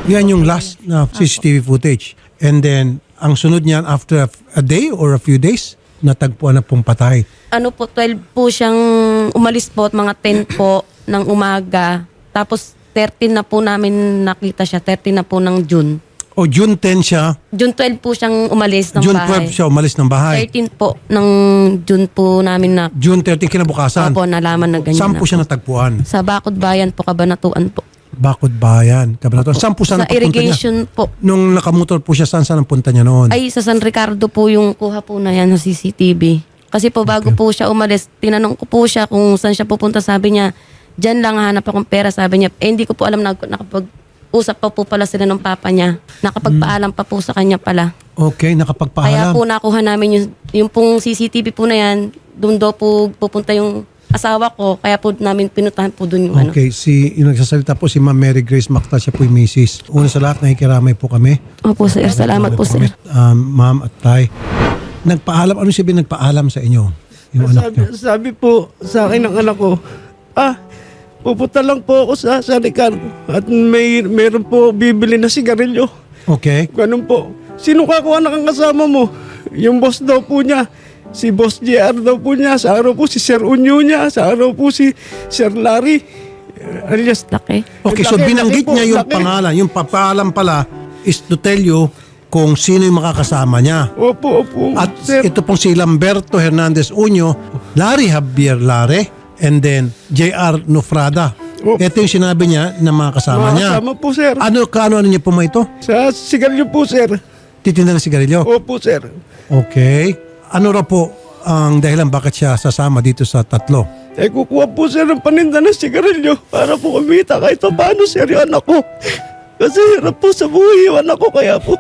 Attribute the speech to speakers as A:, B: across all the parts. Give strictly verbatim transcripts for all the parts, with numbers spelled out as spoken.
A: Yan yung last na C C T V footage. And then, ang sunod niyan after a day or a few days, natagpuan na pong patay.
B: Ano po, twelve po siyang umalis po at mga ten po ng umaga. Tapos thirteen na po namin nakita siya, thirteen na po ng June.
A: O June ten siya,
B: June twelve po siyang umalis ng
A: June
B: bahay.
A: twelve siya umalis ng bahay.
B: thirteen po ng June po namin na
A: June thirteen kinabukasan.
B: Opo, nalaman na ganyan
A: Saan
B: na
A: po siya natagpuan?
B: Sa Bakod Bayan po, Kabanatuan po.
A: Bakod Bayan, Cabanatuan. Saan po
B: Sa
A: saan ang papunta niya?
B: irrigation po.
A: Nung nakamotor po siya, saan saan ang punta niya noon?
B: Ay, sa San Ricardo po yung kuha po na yan sa C C T V. Kasi po bago
A: Okay.
B: po siya umalis, tinanong ko po siya kung saan siya pupunta. Sabi niya, dyan lang hanap akong pera. Sabi niya, eh hindi ko po alam na nakapag-usap pa po pala sila ng papa niya. Nakapagpaalam pa po sa kanya pala.
A: Okay,
B: Kaya
A: nakapagpaalam.
B: po nakuha namin yung, yung pong C C T V po na yan, doon daw po pupunta yung asawa ko. Kaya po namin pinutahan po doon yung ano.
A: Okay, si yung nagsasalita po si Ma'am Mary Grace Mactal, siya po yung misis. Una sa lahat, nakikiramay po kami.
B: Opo sir, salamat po sir.
A: Um, Ma'am at Tay. Nagpaalam, ano sabihin nagpaalam sa inyo? Yung anak
C: Sabi,
A: niyo?
C: sabi po sa akin ng anak ko, ah, pupunta lang po ako sa, sa Ricardo at may meron po bibili na sigarilyo.
A: Okay.
C: Ganun po. Sino kakuha na kang kasama mo? Yung boss daw po niya. Si Boss J R daw po niya. Sa araw po si Sir Unyo niya. Sa araw po si Sir Larry. Uh, alias,
B: Laki.
A: Okay, so
C: Laki,
A: binanggit
C: laki po,
A: niya yung
C: laki.
A: pangalan. Yung papaalam pala is to tell you kung sino yung makakasama niya.
C: opo, opo.
A: At
C: Sir,
A: ito pong si Lamberto Hernandez Unyo, Larry Javier Lare, and then J R Nufrada.
C: Oh.
A: Ito yung sinabi niya na mga kasama niya.
C: makasama po, sir.
A: Ano, kaano ano niya po ma ito?
C: Sa sigarilyo po, sir.
A: Titinda ng sigarilyo?
C: Opo, sir.
A: Okay. Ano raw po ang dahilan bakit siya sasama dito sa tatlo?
C: Eh, kukuha po sir ng paninda ng sigarilyo para po kumita kahit pa paano sir yung anak ko. Kasi hirap po sa buhay yung anak ko kaya po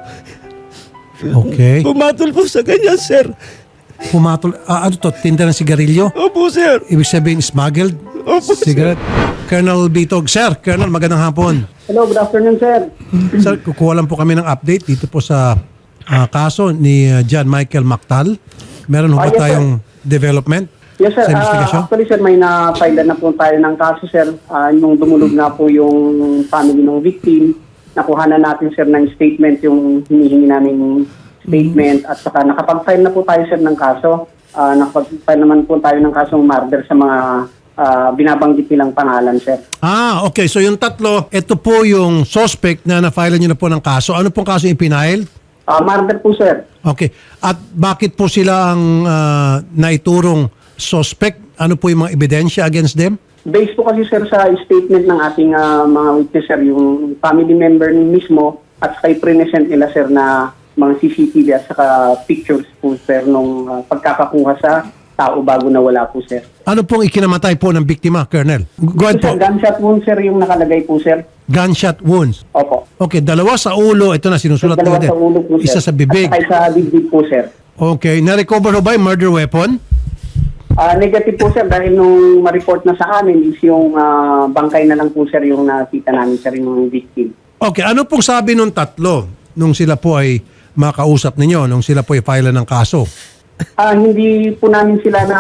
A: Okay.
C: pumatol po sa ganyan sir.
A: Pumatol, ah, ano to, tinda ng sigarilyo?
C: Opo sir.
A: Ibig sabihin, smuggled?
C: Opo sir.
A: Cigarette? Colonel Bitog. Sir, Colonel, magandang hapon.
D: Hello, good afternoon, sir.
A: Sir, kukuha lang po kami ng update dito po sa ah, kaso ni ah, John Michael Mactal. Meron ho ba
D: Ah, yes,
A: tayong development
D: Yes, sir.
A: sa
D: Ah,
A: investigation?
D: actually, sir, may na-file na po tayo ng kaso, sir. Ah, nung dumulog na po yung family ng victim, nakuha na natin, sir, ng statement, yung hinihingi namin statement, at saka nakapag-file na po tayo, sir, ng kaso. Ah, nakapag-file naman po tayo ng kasong murder sa mga ah, binabanggit nilang pangalan, sir.
A: Ah, okay. So yung tatlo, ito po yung suspect na na-file nyo na po ng kaso. Ano pong kaso yung ipinail?
D: Ah, murder po, sir.
A: Okay. At bakit po sila ang ah, naiturong suspect? Ano po yung mga ebidensya against them?
D: Based po kasi, sir, sa statement ng ating ah, mga witness, sir, yung family member mismo at saka i-present nila, sir, na mga C C T V at saka pictures po, sir, nung ah, pagkakakuha sa tao bago nawala po, sir.
A: Ano pong ikinamatay po ng biktima, Colonel? Go ahead
D: Sir,
A: po.
D: gunshot wound, sir, yung nakalagay po, sir.
A: Gunshot wounds.
D: Opo.
A: Okay, dalawa sa ulo. Ito na, sinusulat
D: Dalawa
A: natin.
D: sa ulo po, sir.
A: Isa sa bibig.
D: At saka sa dibdib po, sir.
A: Okay. Na-recover ho ba yung murder weapon?
D: Ah, negative po, sir, dahil nung ma-report na sa amin is yung ah, bangkay na lang po, sir, yung nakita namin, sir, yung victim.
A: Okay. Ano pong sabi nung tatlo nung sila po ay makausap ninyo, nung sila po ay file ng kaso?
D: Ah, hindi po namin sila na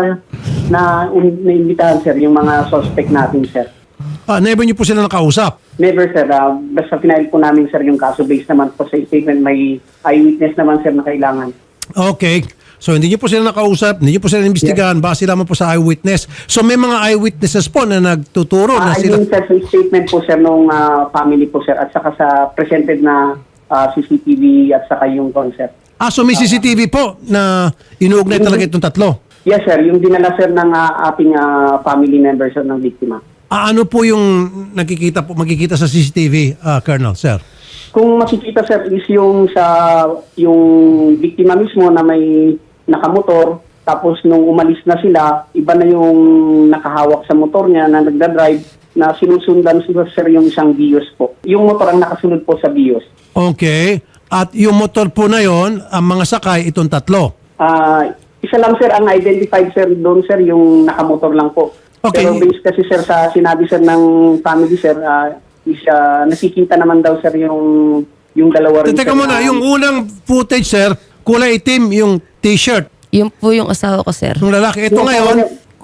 D: na naimbitahan, sir, yung mga suspect natin, sir.
A: Ah, never niyo po sila nakausap?
D: Never, sir. Ah, basta final po namin, sir, yung kaso based naman po sa statement. May eyewitness naman, sir, na kailangan.
A: Okay. So hindi niyo po sila nakausap, hindi niyo po sila inimbestigahan, base lamang po sa eyewitness. So may mga eyewitnesses po na nagtuturo na
D: Ah, I
A: sila...
D: mean, sir, sa statement po, sir, nung ah, family po, sir, at saka sa presented na ah, C C T V at saka yung concept.
A: Ah, so may C C T V po na inuugnay talaga itong tatlo?
D: Yes, sir. Yung dinala, sir, ng ah, ating ah, family members, sir, ng biktima.
A: Ah, ano po yung nakikita po, makikita sa C C T V, ah, Colonel, sir?
D: Kung makikita, sir, is yung sa yung biktima mismo na may nakamotor, tapos nung umalis na sila, iba na yung nakahawak sa motor niya na nagdadrive, na sinusundan sila, sir, yung isang Vios po. Yung motor ang nakasunod po sa Vios.
A: Okay. At yung motor po na yon, ang mga sakay, itong tatlo.
D: Ah, isa lang, sir, ang identified, sir, doon, sir, yung nakamotor lang po.
A: Okay.
D: Pero based kasi, sir, sa sinabi, sir, ng family, sir, ah, is, ah, nakikita naman daw, sir, yung yung dalawa rin.
A: Teka
D: sir,
A: muna,
D: na-
A: yung unang footage, sir, kulay itim yung t-shirt.
B: Yun po yung asawa ko sir.
A: Yung lalaki. Ito
D: Yung
A: ngayon,
D: asawa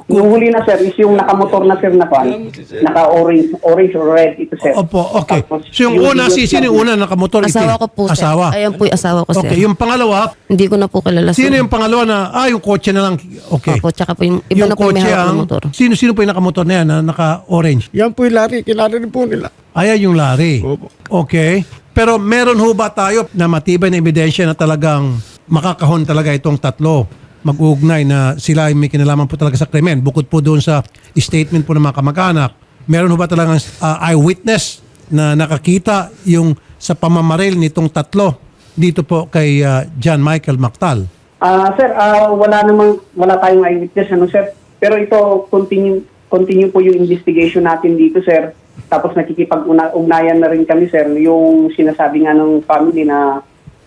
D: Yung huli na, sir, is yung nakamotor na, sir, na kwan. Naka-orange, orange or red ito, sir.
A: Opo, okay.
D: Tapos,
A: So yung una, si sino yung una nakamotor?
B: Asawa
A: Itim?
B: ko po, sir.
A: Asawa.
B: Ayan po yung asawa ko, sir.
A: Okay, yung pangalawa,
B: Hindi ko na po kilala, sir.
A: sino yung pangalawa na, ah, yung kotse na lang. Okay.
B: Opo, tsaka po yung iba
A: Yung
B: na po yung may
A: kotse
B: hawak
A: ang,
B: ng motor.
A: sino-sino po yung nakamotor na yan na naka-orange?
C: Yan po yung Larry, kilala rin po nila.
A: Ayan yung Larry.
C: Opo.
A: Okay. Pero meron ho ba tayo na matibay na ebidensya na talagang makakahon talaga itong tatlo mag-uugnay na sila ay may kinalaman po talaga sa krimen bukod po doon sa statement po ng mga kamag-anak? Meron ho ba talagang uh, eyewitness na nakakita yung sa pamamaril nitong tatlo dito po kay uh, John Michael Mactal?
D: Ah, sir, ah, wala namang, wala tayong eyewitness, ano, sir. Pero ito, continue, continue po yung investigation natin dito, sir. Tapos nakikipag-ugnayan na rin kami, sir, yung sinasabi nga ng family na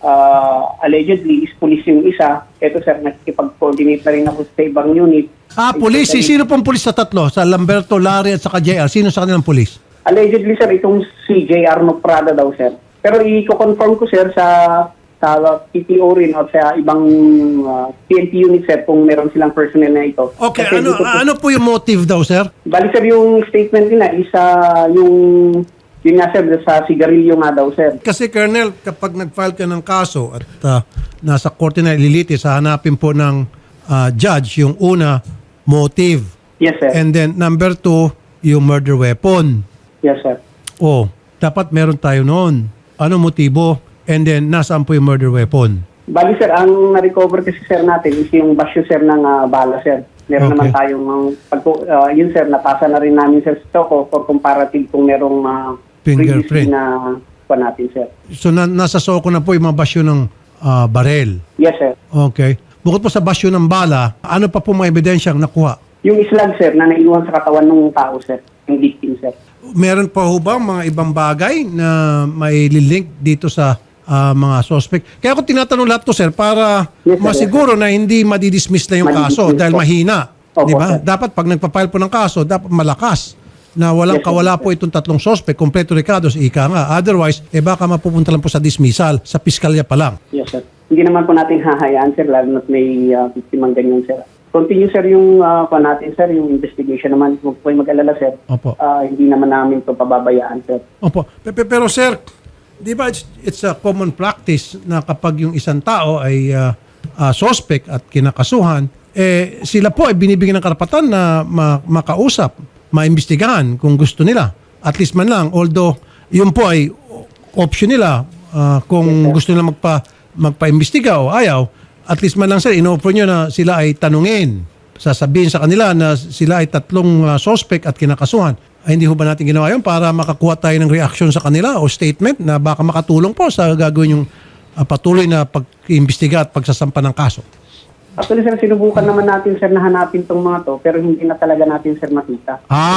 D: uh, allegedly is police yung isa. Ito, sir, nakikipag-coordinate na rin ako sa ibang unit.
A: Ah, pulis. Si sino pong pulis sa tatlo? Sa Lamberto, Larry at saka J R? Sino sa kanilang pulis?
D: Allegedly, sir, itong si J R Prada daw, sir. Pero i-confirm ko, sir, sa sa P P O rin o sa ibang uh, P N P unit, sir, kung meron silang personnel na ito.
A: Okay,
D: Kasi
A: ano
D: dito po-
A: ano po yung motive daw, sir?
D: Bali, sir, yung statement nila is ah, yung yun nga, sir, sa sigarilyo nga daw, sir.
A: Kasi, Colonel, kapag nag-file ka ng kaso at uh, nasa korte na ililitis, hahanapin po ng uh, judge yung una, motive.
D: Yes, sir.
A: And then, number two, yung murder weapon.
D: Yes, sir.
A: Oh, dapat meron tayo noon. Ano motibo? And then, nasaan po yung murder weapon?
D: Bali, sir, ang na-recover kasi, sir, natin is yung basyo, sir, ng ah, bala, sir. Meron
A: Okay.
D: naman tayong, um, pag, uh, yun, sir, napasa na rin namin, sir, sa Choco for comparative kung merong uh,
A: Fingerprint.
D: na pa natin, sir.
A: So, na, nasa soko na po yung mga basyo ng ah, barel.
D: Yes, sir.
A: Okay. Bukod po sa basyo ng bala, ano pa po mga ebidensyang nakuha?
D: Yung islag, sir, na naiwan sa katawan ng tao, sir, yung victim, sir.
A: Meron pa ho ba mga ibang bagay na may link dito sa ah, mga suspect? Kaya ako tinatanong lahat to, sir, para
D: Yes, sir,
A: masiguro na hindi madidismiss na yung kaso
D: Madidismiss
A: dahil
D: po.
A: mahina.
D: Opo,
A: Di ba?
D: sir.
A: Dapat pag nagpa-file po ng kaso, dapat malakas na walang
D: Yes, sir.
A: kawala po itong tatlong suspect, kompleto recados, ika nga. Otherwise, eh baka mapupunta lang po sa dismissal, sa piskalya pa lang.
D: Yes, sir. Hindi naman po natin hahayaan, sir, lalo na't may uh, victim ang ganyan, sir. Continue, sir, yung uh, pa natin, sir, yung investigation naman. Huwag po yung mag-alala, sir.
A: Opo.
D: Ah, hindi naman namin ito pababayaan, sir.
A: Opo. Pe- pe- Pero sir, di ba it's, it's a common practice na kapag yung isang tao ay uh, uh, suspect at kinakasuhan, eh sila po ay binibigyan ng karapatan na ma- makausap, maimbestigahan kung gusto nila. At least man lang, although yun po ay option nila uh, kung gusto nila magpa, magpa-imbestiga o ayaw, at least man lang sir, in-offer nyo na sila ay tanungin. Sasabihin sa kanila na sila ay tatlong uh, suspect at kinakasuhan. Ay, hindi ho ba natin ginawa yun para makakuha tayo ng reaction sa kanila o statement na baka makatulong po sa gagawin yung uh, patuloy na pag-imbestiga at pagsasampa ng kaso?
D: Actually, sir, sinubukan naman natin, sir, na hanapin tong mga to, pero hindi na talaga natin, sir, makita.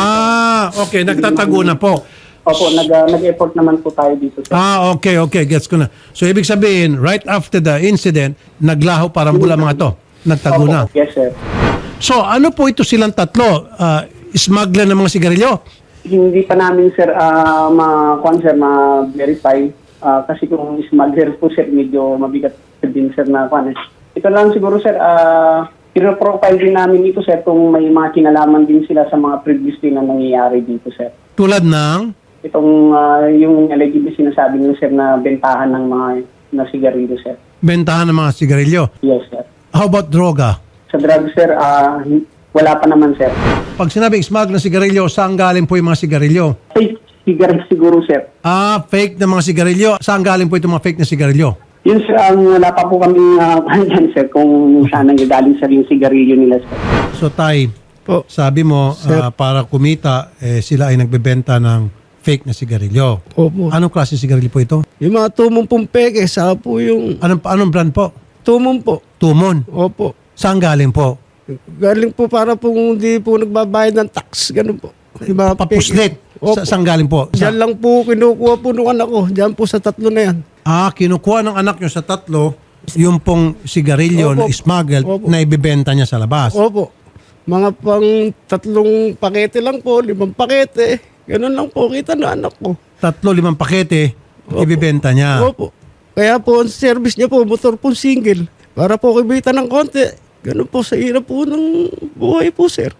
A: Ah, okay. Nagtatago na po.
D: Opo, nag, uh, nag-effort naman po tayo dito, sir.
A: Ah, okay, okay. Gets ko na. So, ibig sabihin, right after the incident, naglaho parang bula mga to. Nagtago
D: Opo,
A: na.
D: yes, sir.
A: So, ano po ito silang tatlo? Uh, smuggler ng mga sigarilyo?
D: Hindi pa namin, sir, uh, ma-con, sir, ma-verify. Ah, kasi kung smuggler po, sir, medyo mabigat din, sir, na kwan. Ito lang siguro, sir, uh, pino-profile din namin ito, sir, kung may mga kinalaman din sila sa mga previously na nangyayari dito, sir.
A: Tulad ng?
D: Itong, ah, yung allegedly sinasabi niyo, sir, na bentahan ng mga na sigarilyo, sir.
A: Bentahan ng mga sigarilyo.
D: Yes, sir.
A: How about droga?
D: Sa drugs, sir, ah, wala pa naman, sir.
A: Pag sinabing smuggle ng sigarilyo, saan galing po yung mga sigarilyo?
D: Fake cigarette siguro, sir.
A: Ah, fake na mga sigarilyo. Saan galing po itong mga fake na sigarilyo?
D: Yun, sir, ang wala pa po kami uh, dyan, sir, kung saan ang galing, sir, yung sigarilyo nila, sir.
A: So, Tay,
C: Po.
A: sabi mo, ah, para kumita, eh, sila ay nagbebenta ng fake na sigarilyo.
C: Opo.
A: Anong klase sigarilyo po ito?
C: Yung mga tumong pong peke, saka po yung
A: Anong, anong brand po?
C: tumong po.
A: Tumon.
C: Opo.
A: Saan galing po?
C: Galing po para po hindi po nagbabayad ng tax, ganun po. Yung mga
A: Papuslit.
C: peke. Opo.
A: Sa, saan galing po? Sa-
C: Diyan lang po kinukuha po nung anak ko. Diyan po sa tatlo na yan.
A: Ah, kinukuha ng anak nyo sa tatlo yung pong sigarilyo na
C: Opo.
A: smuggled
C: Opo.
A: na ibibenta niya sa labas.
C: Opo. Mga pang tatlong pakete lang po, limang pakete. Ganun lang po kita na anak ko.
A: Tatlo, limang pakete, ibibenta niya.
C: Opo. Kaya po ang service niya po, motor po single. Para po kibita ng konti. Ganun po sa hirap po ng buhay po, sir.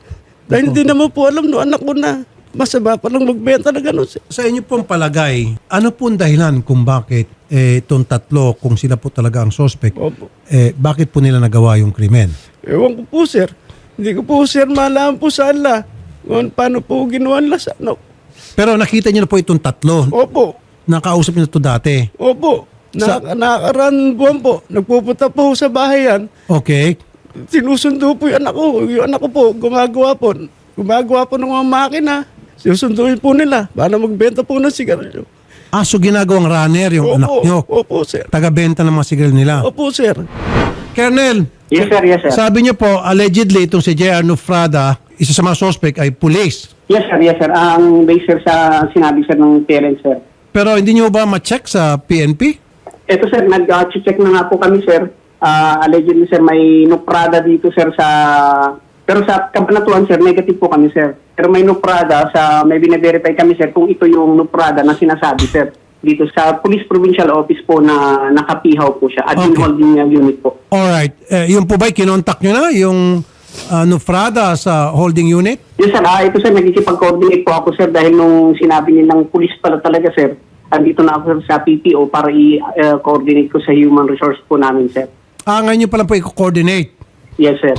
C: Dahil hindi naman po alam no anak ko na masama pa lang magbenta na gano'n, sir.
A: Sa inyo pong palagay, ano pong dahilan kung bakit eh, itong tatlo, kung sila po talaga ang suspect,
C: Opo.
A: eh, bakit po nila nagawa yung krimen?
C: Ewan ko po, sir. Hindi ko po, sir, malaman po sa ala. Kung paano po ginawa nila sa ano.
A: Pero nakita niyo na po itong tatlo.
C: Opo.
A: Nakausap niyo na ito dati.
C: Opo.
A: Sa-
C: Na, nakakaran buwan po. Nagpupunta po sa bahay yan.
A: Okay.
C: Sinusundo po yung anak ko. Yung anak ko po, gumagawa po. Gumagawa po ng mga makina. Sinusunduin po nila para magbenta po ng sigarilyo.
A: Ah, so ginagawang runner yung
C: Opo.
A: anak niyo.
C: Opo, sir.
A: Taga-benta ng mga sigarilyo nila.
C: Opo, sir.
A: Colonel,
D: Yes, sir. Yes, sir.
A: sabi niyo po, allegedly, itong si J R. Nufrada, isa sa mga suspect ay police.
D: Yes, sir. Yes, sir. Ang base, sir, sa sinabi, sir, ng parents, sir.
A: Pero hindi niyo ba ma-check sa P N P?
D: Ito, sir, nag-check na nga po kami, sir. Ah, allegedly, sir, may nuprada dito, sir, sa... Pero sa Kabanatuan, sir, negative po kami, sir. Pero may nuprada sa... May bine-verify kami, sir, kung ito yung nuprada na sinasabi, sir. Dito sa Police Provincial Office po na nakapihaw po siya. Admin
A: Okay.
D: holding unit po.
A: Alright. Eh, yung po ba'y kinontak niyo na yung uh, Nufrada sa holding unit?
D: Yes, sir. Ah, ito, sir, nagkikipag-coordinate po ako, sir, dahil nung sinabi nilang police pala talaga, sir, andito na ako, sir, sa P P O para i-coordinate ko sa human resource po namin, sir.
A: Ah, ngayon niyo pala po i-coordinate.
D: Yes, sir.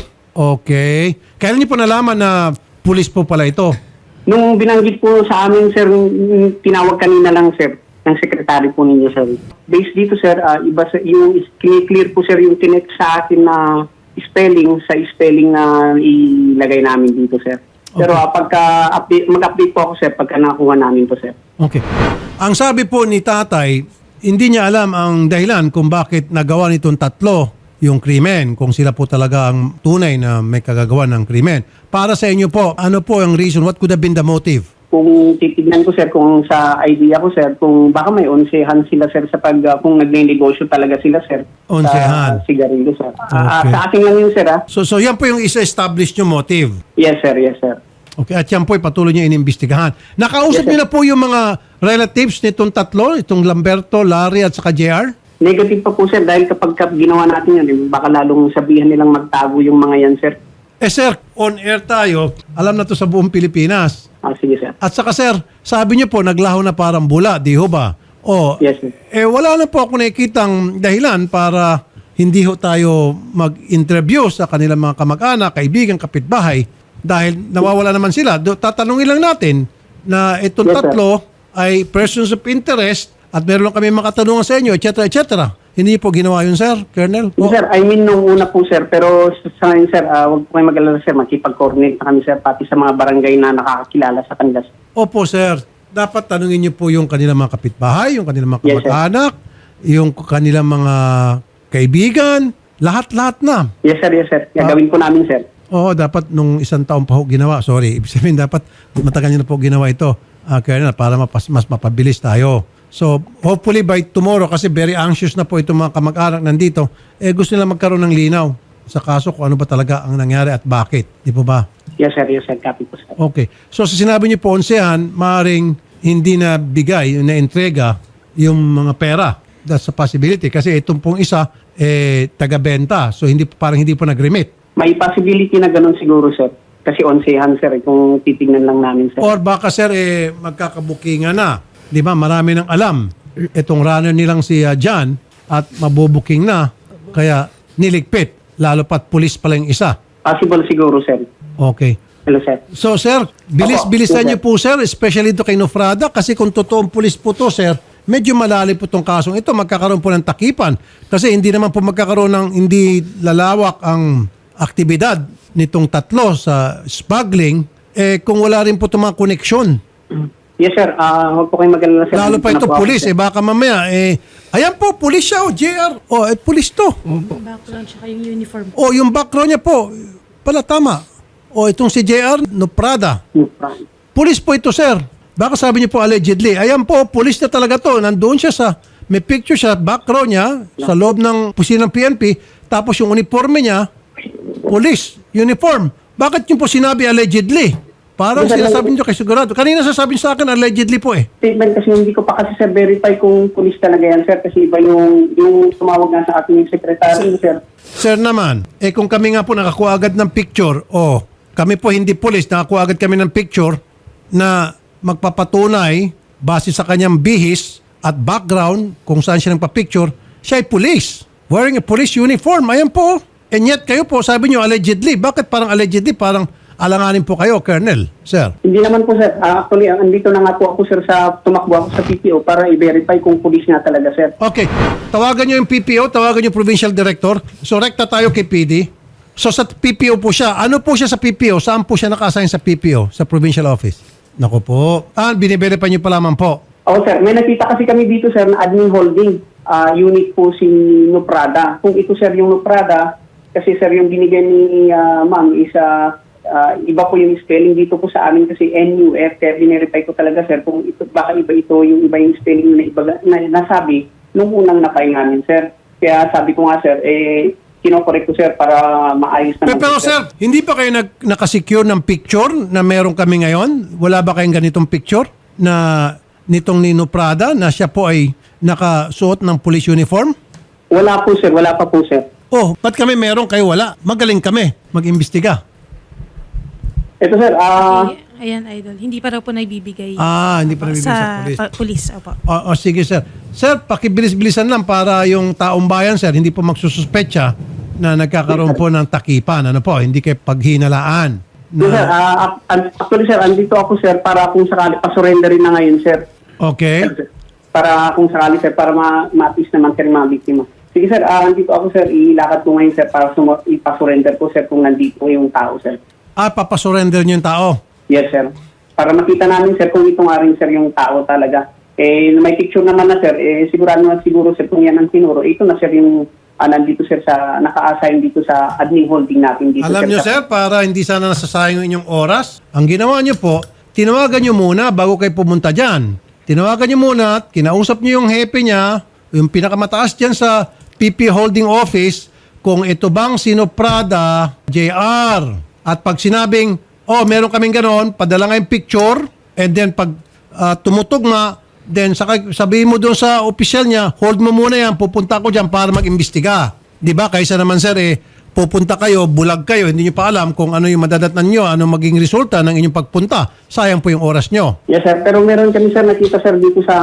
A: Okay. Kailan niyo po nalaman na police po pala ito?
D: Nung binanggit po sa amin, sir, mm, tinawag kanina lang, sir, ng sekretary po ninyo, sir. Based dito, sir, ah, iba sa, yung clear po, sir, yung tinext sa akin na spelling sa spelling na ilagay namin dito, sir. Pero ah, pagka update, mag-update po ako, sir, pagka nakuha namin po, sir.
A: Okay. Ang sabi po ni tatay, hindi niya alam ang dahilan kung bakit nagawa nitong tatlo yung krimen, kung sila po talaga ang tunay na may kagagawa ng krimen. Para sa inyo po, ano po ang reason? What could have been the motive?
D: Kung titignan ko, sir, kung sa idea ko, sir, kung baka may onsehan sila, sir, sa pag, uh, kung nagne-negosyo talaga sila, sir.
A: Onsehan.
D: Sa sigarilyo, sir. Ah,
A: Okay.
D: sa akin lang yun, sir, ah.
A: So, so yan po yung isa-establish nyo motive.
D: Yes, sir, yes, sir.
A: Okay, at yan po ay patuloy nyo inimbestigahan. Nakausap
D: Yes, sir.
A: niyo na po yung mga relatives nitong tatlo, itong Lamberto, Larry at saka J R?
D: Negative pa po, sir, dahil kapag kap- ginawa natin yun, eh, baka lalong sabihan nilang magtago yung mga yan, sir.
A: Eh sir, on air tayo, alam na to sa buong Pilipinas.
D: Ah, sige, sir.
A: At saka sir, sabi niyo po, naglaho na parang bula, di ho ba? O,
D: Yes, sir.
A: eh wala na po ako nakikitang dahilan para hindi ho tayo mag-interview sa kanilang mga kamag-anak, kaibigan, kapitbahay, dahil nawawala naman sila. Do, tatanungin lang natin na itong
D: Yes, sir.
A: tatlo ay persons of interest at meron lang kami makatanungan sa inyo, et cetera, et cetera. Hindi niyo po ginawa yun, sir, Colonel?
D: Yes, sir, I mean, nung una po, sir, pero sa sa ngayon, sir, ah, huwag po kayo mag-alala, sir, makipag-coordinate na kami, sir, pati sa mga barangay na nakakakilala sa kanila, sir.
A: Opo, sir. Dapat tanungin niyo po yung kanilang mga kapitbahay, yung kanilang mga
D: Yes, sir.
A: kamag-anak, yung kanilang mga kaibigan, lahat-lahat na.
D: Yes, sir, yes, sir. Gagawin po namin, sir.
A: Oo, dapat nung isang taon pa ho ginawa. Sorry, ibig sabihin dapat matagal niyo na po ginawa ito, uh, Colonel, para mapas, mas mapabilis tayo. So, hopefully by tomorrow, kasi very anxious na po itong mga kamag-anak nandito, eh gusto nila magkaroon ng linaw sa kaso kung ano ba talaga ang nangyari at bakit. Di po ba?
D: Yes, sir, yes, sir. Copy po, sir.
A: Okay. So sa sinabi niyo po, onsehan, maaaring hindi na bigay, na entrega yung mga pera. That's a possibility. Kasi itong pong isa, eh, taga-benta. So hindi parang hindi po nag-remit.
D: May possibility na ganun siguro, sir. Kasi onsehan, sir, eh, kung titignan lang namin, sir.
A: Or baka sir, eh, magkakabukingan na. Di ba? Marami nang alam. Itong runner nilang si uh, John at mabubuking na. Kaya niligpit. Lalo pat pulis pala yung isa.
D: Possible siguro, sir.
A: Okay.
D: Hello, sir.
A: So sir, bilis-bilisan
D: Opo,
A: niyo po sir, especially ito kay Nufrada, kasi kung totoong pulis po to sir, medyo malalim po itong kasong ito, magkakaroon po ng takipan. Kasi hindi naman po magkakaroon ng hindi lalawak ang aktibidad nitong tatlo sa smuggling, eh kung wala rin po itong mga koneksyon.
D: Yes, sir. Ah, huwag po kayo mag-alala, sir.
A: Lalo pa ito
D: Ano po ako,
A: pulis,
D: sir?
A: eh baka mamaya, eh, ayan po, pulis siya, oh, J R, oh, eh, pulis to.
E: Background tsaka yung uniform.
A: Oh, yung background niya po, pala tama. Oh, itong si J R, Nufrada. Pulis po ito, sir. Baka sabi niyo po allegedly. Ayan po, pulis na talaga to. Nandoon siya sa, may picture siya, background niya, sa loob ng pusina ng P N P. Tapos yung uniforme niya, pulis, uniform. Bakit niyo po sinabi allegedly? Parang
D: Yes, sir.
A: sinasabi niyo kay sigurado. Kanina sasabihin sa akin, allegedly po eh.
D: Statement kasi hindi ko pa kasi, sir, verify kung police talaga yan, sir. Kasi iba yung, yung tumawag nga sa ating yung secretary, sir.
A: Sir naman, eh kung kami nga po nakakuha agad ng picture, oh, kami po hindi police, nakakuha agad kami ng picture na magpapatunay base sa kanyang bihis at background kung saan siya nagpa-picture, siya ay police. Wearing a police uniform. Ayan po. And yet kayo po, sabi nyo allegedly. Bakit parang allegedly? Parang alanganin po kayo, Colonel, sir.
D: Hindi naman po sir. Uh, actually, andito na nga po ako sir sa tumakbo ako sa P P O para i-verify kung police nga talaga sir.
A: Okay. Tawagan nyo yung P P O, tawagan nyo yung Provincial Director. So, rekta tayo kay P D. So, sa P P O po siya. Ano po siya sa P P O? Saan po siya naka-assign sa P P O? Sa Provincial Office? Naku po. Ah, biniverify nyo pa lamang po.
D: Oo sir, may nakita kasi kami dito sir na admin holding uh, unit po si Nuprada. Kung ito sir yung Nuprada, kasi sir yung binigay ni uh, ma'am is uh, uh, iba po yung spelling dito po sa amin kasi N U F. Kaya binirify ko talaga sir kung ito, baka iba ito yung iba yung spelling na, iba, na nasabi nung unang napay namin sir. Kaya sabi ko nga sir, eh kinokorek ko sir para maayos naman.
A: Pero, pero sir, hindi pa kayo nag, nakasecure ng picture na meron kami ngayon? Wala ba kayong ganitong picture na nitong Nino Prada na siya po ay nakasuot ng police uniform?
D: Wala po sir, wala pa po sir.
A: Oh, ba't kami meron kayo wala? Magaling kami mag-imbestiga.
D: Ito sir, ah...
E: Ay- Ayan, Idol. Hindi pa raw po naibibigay
A: Ah, hindi pa nabibigay sa
E: sa
A: police.
E: pa- police. Opo.
A: O, o sige sir. Sir, pakibilis-bilisan lang para yung taong bayan sir, hindi po magsususpecha na nagkakaroon po ng takipan. Ano po, hindi kayo paghinalaan.
D: No, sir, ah, ac- actually sir, andito ako sir para kung sakali pa-surrenderin na ngayon sir.
A: Okay?
D: Para kung sakali sir, para ma- ma-appease naman sir yung mga biktima. Sige sir, ah, andito ako sir, ilakad ko ngayon sir para sumo- ipa-surrender ko sir kung nandito yung tao sir.
A: Ah, papasurrender niyo yung tao.
D: Yes sir. Para makita namin sir kung ito nga rin sir yung tao talaga. Eh, may picture naman na sir, eh, sigurado na siguro sir kung yan ang sinuro. Ito na sir yung ah, nandito sir sa, naka-assign dito sa admin holding natin dito.
A: Alam niyo sir, para hindi sana nasasayang yung inyong oras, ang ginawa niyo po, tinawagan niyo muna bago kayo pumunta dyan. Tinawagan niyo muna, kinausap niyo yung hepe niya, yung pinakamataas dyan sa P P Holding Office, kung ito bang sino Prada, J R. At pag sinabing, oh, meron kaming ganon, padala nga yung picture, and then pag uh, tumutugma, then saka sabihin mo doon sa opisyal niya, hold mo muna yan, pupunta ako dyan para mag-imbestiga. Di ba? Kaysa naman sir, eh, pupunta kayo, bulag kayo, hindi nyo pa alam kung ano yung madadatnan nyo, ano maging resulta ng inyong pagpunta. Sayang po yung oras nyo.
D: Yes sir, pero meron kami sir nakita sir dito sa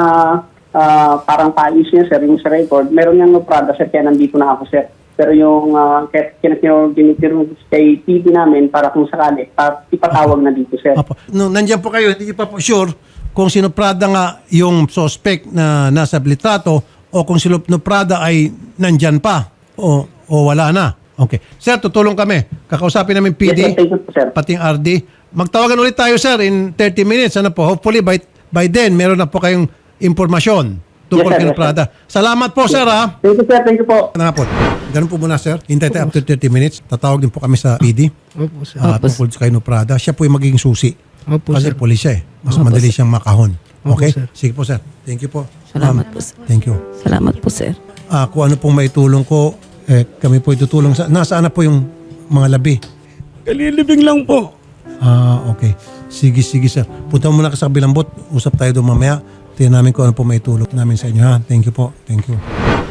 D: ah, parang paayos niya sir, yung sa record. Meron niyang no Prada sir, kaya nandito na ako sir. Pero yung uh, kinakinoginitiro kay T V namin para kung sakali, pa, ipatawag na dito sir.
A: Apo. No, nandiyan po kayo, hindi nyo pa po sure kung sino Prada nga yung suspect na nasa litrato o kung sino Prada ay nandyan pa o, o wala na. Okay. Sir, tutulong kami. Kakausapin namin P D,
D: Yes, sir. Thank you po, sir.
A: pating R D. Magtawagan ulit tayo sir in thirty minutes. Ano po? Hopefully by, by then meron na po kayong impormasyon tungkol
D: Yes, sir.
A: kay
D: Yes, sir.
A: Prada. Salamat po sir ha.
D: Thank you sir, thank you po.
A: Ano nga po? Ganun po muna sir. Hintay tayo after thirty minutes. Tatawag din po kami sa P D.
C: Opo, sir.
A: Uh, tungkol kay no Prada. Siya po yung magiging susi.
C: Opo,
A: Kasi
C: sir.
A: pulis siya eh. Mas madali siyang makahon.
C: Opo,
A: Okay?
C: sir.
A: Sige po sir. Thank you po.
B: Salamat
A: Ma'am,
B: po, sir.
A: Thank you.
B: Salamat po, sir.
A: Ah, kung ano pong maitulong ko, eh, kami po itutulong. Sa, nasaan na po yung mga labi?
C: Kalilibing lang po.
A: Ah, okay. Sige, sige sir. Punta mo muna ka sa kabilang bot. Usap tayo doon mamaya. Tingnan namin kung ano po maitulong namin sa inyo ha. Thank you po. Thank you.